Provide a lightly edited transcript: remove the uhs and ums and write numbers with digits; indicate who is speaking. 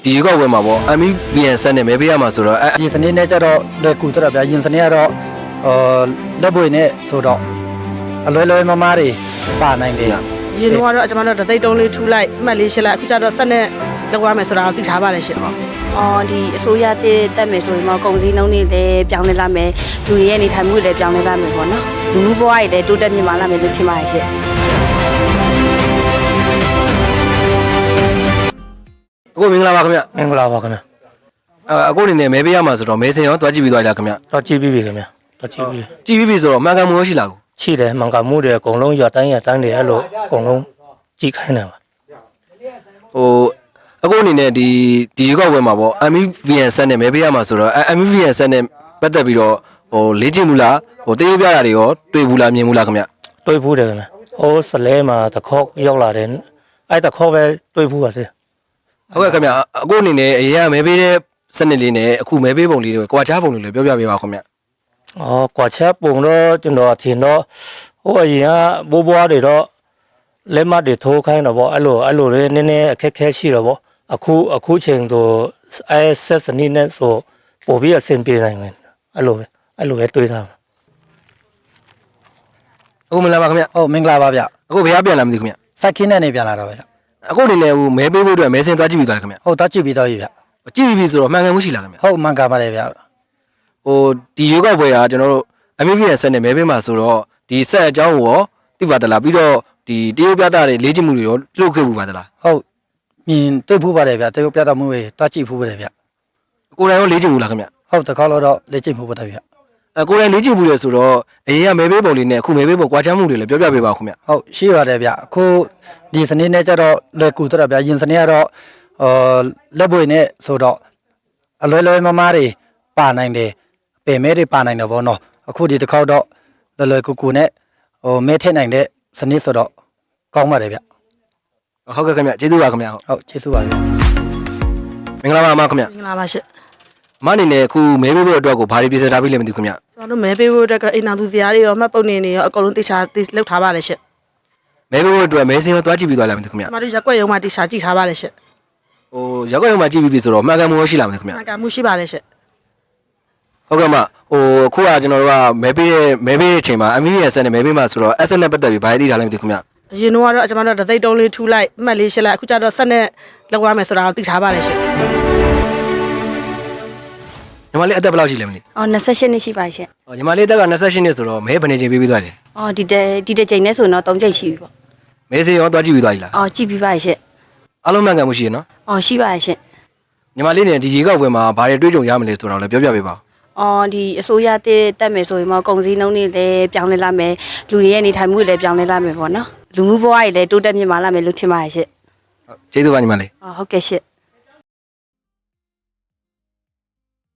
Speaker 1: ဒီရွေးကောက်ပွဲမှာပေါ့ MVN ဆက်နဲ့မဲပေးရမှာဆိုတော့
Speaker 2: ဒီစနေနဲ့ကြတော့လွယ်ကူတော့ဗျာရင်စနေကတော့လက်ပွေနဲ့ဆိုတော့အလွယ်လွယ်မမားတွေပါနိုင်တယ်
Speaker 3: ရင်တော့ကျွန်တော်တို့တသိတုံးလေးထူလိုက်အမှတ်လေးရှင်းလိုက်အခုကျတော့ဆက်နဲ့လောက်ရမယ်ဆိုတာကိုသိထားပါတယ်ရှင်
Speaker 4: ဒီအစိုးရတက်မယ်ဆိုရင်တော့ကုန်စည်နှုန်းတွေလည်းပြောင်းလဲလာမယ်လူတွေရဲ့နေထိုင်မှုတွေလည်းပြောင်းလဲလာမယ်ပေါ့နော်လူမှုဘဝတွေလည်းတိုးတက်မြင့်မားလာမယ်လို့ထင်ပါတယ်ရှင်
Speaker 1: အခုမင်္ဂလာပါခင်ဗျ
Speaker 2: မင်္ဂလာပါခင်ဗျ
Speaker 1: အခုအနေနဲ့မဲပေးရမှာဆိုတော့မဲစင်ရောတွားကြည့်ပြီးသွားလားခင်ဗျ
Speaker 2: တွားကြည့်ပြီးပြီခင်ဗျတွားကြည့်ပြီး
Speaker 1: ပြီဆိုတော့မှန်ကန်မှုရှိလားကို
Speaker 2: ရှိတယ်မှန်ကန်မှုတွေအကုန်လုံးရတိုင်းတွေအဲ့လိုအကုန်လုံးကြည့်ခိုင်းတယ်ပါ
Speaker 1: အခုအနေနဲ့ဒီရွေးကောက်ပွဲမှာပေါ့ MVN ဆက်နဲ့မဲပေးရမှာဆိုတော့ MVN ဆက်နဲ့ပတ်သက်ပြီးတော့လေ့ကျင့်မှုလားတရုပ်ပြတာတွေရောတွေ့ဘူးလားမြင်ဘူးလားခင်ဗျ
Speaker 2: တွေ့ဘူးတယ်ခင်ဗျစလဲမှာတခေါက်ရောက်လာတယ်အဲ့တခေါက်ပဲတွေ့ဘူးပါစေ
Speaker 1: ဟုတ်ကဲ့ခင်ဗျအခုအနေနဲ့အရင်ကမဲပေးတဲ့စနစ်လေးနဲ့အခုမဲပေးပုံလေးတွေကွာခြားပုံလေးလည်းပြောပြပေးပါခင်ဗျ
Speaker 2: ကွာခြားပုံတော့ကျွန်တော်ထင်တော့အရင်ကဘိုးဘွားတွေတော့လက်မတွေထိုးခိုင်းတော့ဗောအဲ့လိုလေးနည်းနည်းအခက်ခဲရှိတော့ဗောအခုချိန်ဆိုဆက်စနစ်နဲ့ဆိုပို့ပြီးအဆင်ပြေနိုင်တယ်အဲ့လိုပဲတွေးထားမှာ
Speaker 1: အခုမင်္ဂလာပါခင်ဗျ
Speaker 2: ဟုတ်မင်္ဂလာပါဗျ
Speaker 1: အခုဘယ်ကပြန်လာမသိခင်ဗျ
Speaker 2: စိုက်ခင်းနဲ့နေပြန်လာတော့ဗျ
Speaker 1: အခုအနေနဲ့မဲပေးဖို့အတွက်မဲစင်သွားကြည့်ပြီးသွားတယ်ခင်ဗျ
Speaker 2: ဟုတ်သွားကြည့်ပြီးတော့ပြီဗျ
Speaker 1: ကြည့်ပြီးဆိုတော့မှန်ကန်မှုရှိလားခင်ဗျ
Speaker 2: ဟုတ်မှန်ကန်ပါတယ်ဗျ
Speaker 1: ဒီရွေးကောက်ပွဲကကျွန်တော်တို့ MVN ဆက်နဲ့မဲပေးမှာဆိုတော့ဒီဆက်အကြောင်းကိုရောသိပါသလားပြီးတော့ဒီတရုတ်ပြတာတွေလေ့ကျင့်မှုတွေရောပြုလုပ်ခဲ့မှုပါသလား
Speaker 2: ဟုတ်မြင်တွေ့ဖို့ပါတယ်ဗျတရုတ်ပြတာမှုတွေတွားကြည့်ဖို့ပါတယ်ဗျ
Speaker 1: ကိုယ်တိုင်ရောလေ့ကျင့်မှုလားခင်ဗျ
Speaker 2: ဟုတ်တခါတော့လေ့ကျင့်ဖို့ပါတယ်ဗျ
Speaker 1: ကိုယ်တိုင်လေ့ကျင့်မှုတွေဆိုတော့အရင်ကမဲပေးပုံလေးနဲ့အခုမဲပေးပုံကွာခြားမှုတွေလည်းပြောပြပေးပါဦးခင်ဗျ
Speaker 2: ဟုတ်ရှိပါတယ်ဗျအခုဒီစနေနဲ့ကြတော့လွယ်ကူတော့ဗျရင်စနေကတော့လက်ပွေနဲ့ဆိုတော့အလွယ်လွယ်မမားတွေပါနိုင်တယ်ပင်မဲတွေပါနိုင်တယ်ဗောနော်အခုဒီတစ်ခေါက်တော့လွယ်ကူနဲ့မဲထည့်နိုင်တဲ့စနစ်ဆိုတော့ကောင်းပါတယ်ဗျ
Speaker 1: ဟုတ်ကဲ့ခင်ဗျကျေးဇူးပါခင်ဗျ
Speaker 2: ဟုတ်ကျေးဇူးပါဗျ
Speaker 1: မင်္ဂလာပါအမခင်ဗျ
Speaker 3: မင်္ဂလာပါရှင်
Speaker 1: မအနေနဲ့အခုမဲပေးဖို့အတွက်ကိုဘာတွေပြင်ဆင်ထားပြီးလဲမသိဘူးခင်ဗျ
Speaker 3: ကျွန်တော်တို့မဲပေးဖို့အတွက်ကအိမ်နာသူစရာတွေရောမှတ်ပုံနေနေရောအကုန်လုံးတိကျလောက်ထားပါတယ်ရှင်
Speaker 1: မဲပေးဖို့အတွက်မဲစင်ရောတွားကြည့်ပြီးသွားလားမသိဘူးခင်ဗျ
Speaker 3: ကျွန်တော်တို့ရက်ွက်ရုံမှာတိကျကြည့်ထားပါတယ်ရှင်
Speaker 1: ရက်ွက်ရုံမှာကြည့်ပြီးပြီဆိုတော့မှန်ကန်မှုရှိလားမသိဘူးခင်ဗျ
Speaker 3: မှန်ကန်မှုရှိပါတယ်ရှင်
Speaker 1: ဟုတ်ကဲ့မအခုကကျွန်တော်တို့ကမဲပေးတဲ့အချိန်မှာ MVN ဆက်နဲ့မဲပေးမှာဆိုတော့ S နဲ့ပတ်သက်ပြီးဘာတွေသိထားလဲမသိဘူးခင်ဗျ
Speaker 3: အရင်တော့ကျွန်တော်တို့တသိတုံးလေးထူလိုက်အမှတ်လေးရှင်းလိုက်အခုကျတော့ဆက်နဲ့လောက်ရမယ်ဆိုတာကိုသိထားပါတယ်ရှင်
Speaker 1: ညီမလေးအသက်ဘယ်လောက်ရှိလဲမသိ
Speaker 4: 28နှစ်ရှိပါရှင်
Speaker 1: ညီမလေးအသက်က28နှစ်ဆိုတော့မဲဘယ်နေချိန်ပေးပြီးသွားတယ်
Speaker 4: ဒီတစ်ချိန်နဲ့ဆိုတော့3ချိန်ရှိပြီပေါ့
Speaker 1: မဲစေရောသွားကြည့်ပြီးသွားပြီလား
Speaker 4: ကြည့်ပြီးပါရှင်
Speaker 1: အားလုံးမှန်ကန်မှုရှိရနော်
Speaker 4: ရှိပါရှင်
Speaker 1: ညီမလေးနဲ့ဒီရေကောက်ပွဲမှာဘာတွေတွေးကြုံရမလဲဆိုတော့လည်းပြောပြပေးပါ
Speaker 4: ဒီအစိုးရတက်မယ်ဆိုရင်တော့ကုန်စည်နှုန်းတွေလည်းပြောင်းလဲလာမယ်လူတွေရဲ့နေထိုင်မှုတွေလည်းပြောင်းလဲလာမယ်ပေါ့နော်လူမှုဘဝတွေလည်းတိုးတက်မြင့်မားလာမယ်လို့ထင်ပါတယ်ရှင်
Speaker 1: ကျေးဇူးပါညီမလေး
Speaker 4: ဟုတ်ကဲ့ရှင်